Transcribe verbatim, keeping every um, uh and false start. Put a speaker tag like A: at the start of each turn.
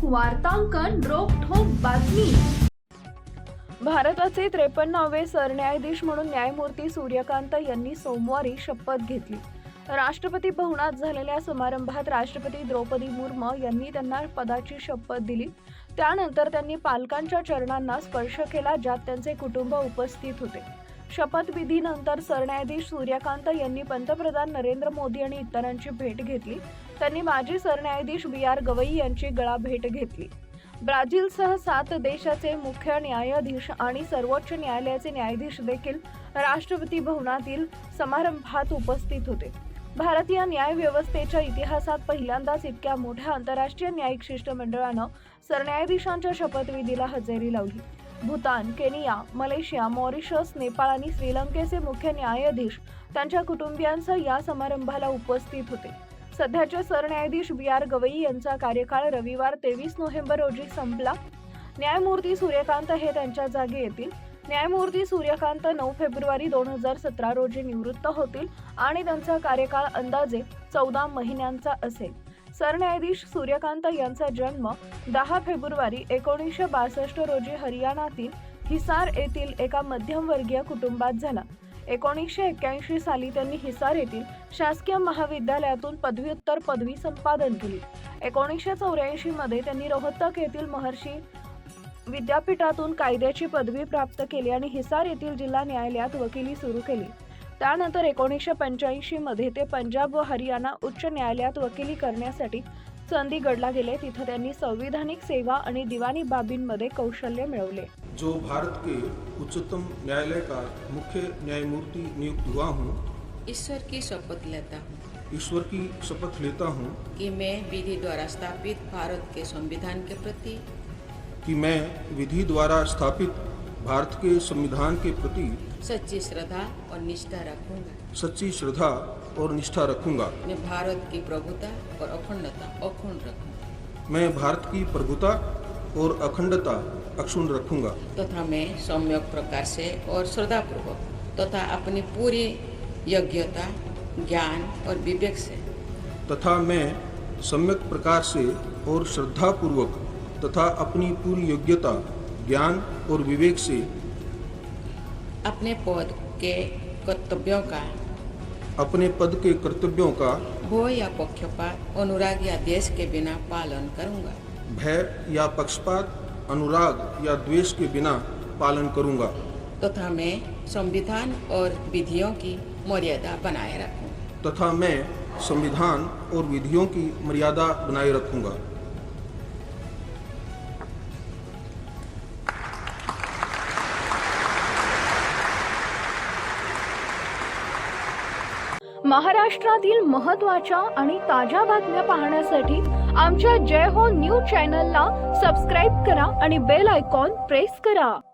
A: वार्तांकन रोखठोक बातमी।
B: भारताचे त्रेपन्नावे सरन्यायाधीश म्हणून न्यायमूर्ती सूर्यकांत यांनी सोमवारी शपथ घेतली। राष्ट्रपती भवनात झालेल्या समारंभात राष्ट्रपती द्रौपदी मुर्मू यांनी त्यांना पदाची शपथ दिली। त्यानंतर त्यांनी पालकांच्या चरणांना स्पर्श केला, ज्यात त्यांचे कुटुंब उपस्थित होते। शपथविधीनंतर सरन्यायाधीश सूर्यकांत यांनी पंतप्रधान नरेंद्र मोदी आणि इतरांची भेट घेतली। त्यांनी माजी सरन्यायाधीश बी आर गवई यांची गळा भेट घेतली। ब्राझीलसह सात देशाचे मुख्य न्यायाधीश आणि सर्वोच्च न्यायालयाचे न्यायाधीश देखील राष्ट्रपती भवनातील समारंभात उपस्थित होते। भारतीय न्याय व्यवस्थेच्या इतिहासात पहिल्यांदाच इतक्या मोठ्या आंतरराष्ट्रीय न्यायिक शिष्टमंडळानं सरन्यायाधीशांच्या शपथविधीला हजेरी लावली। Bhutan, Kenya, Malaysia, Mauritius, Nepal आणि श्रीलंकेचे मुख्य न्यायाधीश त्यांच्या कुटुंबियांसह या समारंभाला उपस्थित होते। सध्याचे सरन्यायाधीश बी आर गवई यांचा कार्यकाळ रविवार तेवीस नोव्हेंबर रोजी संपला। न्यायमूर्ती सूर्यकांत हे त्यांच्या जागी येतील। न्यायमूर्ती सूर्यकांत नऊ फेब्रुवारी दोन हजार सतरा रोजी निवृत्त होतील आणि त्यांचा कार्यकाळ अंदाजे चौदा महिन्यांचा असेल। सरन्यायाधीश सूर्यकांत यांचा जन्म दहा फेब्रुवारी एकोणीसशे बासष्ट रोजी हरियाणातील हिसार येथील एका मध्यमवर्गीय कुटुंबात झाला। एकोणीसशे एक्क्याऐंशी साली त्यांनी हिसार येथील शासकीय महाविद्यालयातून पदव्युत्तर पदवी संपादन केली। एकोणीसशे चौऱ्याऐंशी मध्ये त्यांनी रोहतक येथील महर्षी विद्यापीठातून कायद्याची पदवी प्राप्त केली आणि हिसार येथील जिल्हा न्यायालयात वकिली सुरू केली। त्यानंतर एकोणीसशे पंच्याऐंशी मध्ये ते पंजाब व हरियाणा उच्च न्यायालयात वकिली करण्यासाठी चंदीगडला गेले। तिथे त्यांनी संविधानिक सेवा आणि दिवाणी बाबींमध्ये कौशल्य मिळवले।
C: जो भारत के उच्चतम न्यायालय का मुख्य न्यायमूर्ति नियुक्त हुआ हूँ,
D: ईश्वर की शपथ लेता हूँ
C: ईश्वर की शपथ लेता हूँ
D: कि मैं विधि द्वारा स्थापित भारत के संविधान के प्रति
C: कि मैं विधि द्वारा स्थापित भारत के संविधान के प्रति
D: सच्ची श्रद्धा और निष्ठा रखूंगा
C: सच्ची श्रद्धा और निष्ठा रखूंगा।
D: मैं भारत की प्रभुता और अखंडता अक्षुण्ण रखूंगा
C: मैं भारत की प्रभुता और अखंडता अक्षुण्ण रखूंगा
D: तथा मैं सम्यक प्रकार से और श्रद्धापूर्वक तथा अपनी पूरी योग्यता, ज्ञान और विवेक से
C: तथा मैं सम्यक प्रकार से और श्रद्धापूर्वक तथा अपनी पूरी योग्यता, ज्ञान और विवेक से
D: अपने पद के कर्तव्यों का
C: अपने पद के कर्तव्यों का
D: भय या पक्षपात, अनुराग या द्वेष के बिना पालन करूंगा
C: भय या पक्षपात, अनुराग या द्वेष के बिना पालन करूंगा
D: तथा मैं संविधान और विधियों की मर्यादा बनाए रखूंगा
C: तथा मैं संविधान और विधियों की मर्यादा बनाए रखूंगा।
B: महाराष्ट्रातील महत्त्वाच्या आणि ताज्या बातम्या पाहण्यासाठी आमच्या जय हो न्यूज चॅनलला सबस्क्राईब करा आणि बेल आयकॉन प्रेस करा।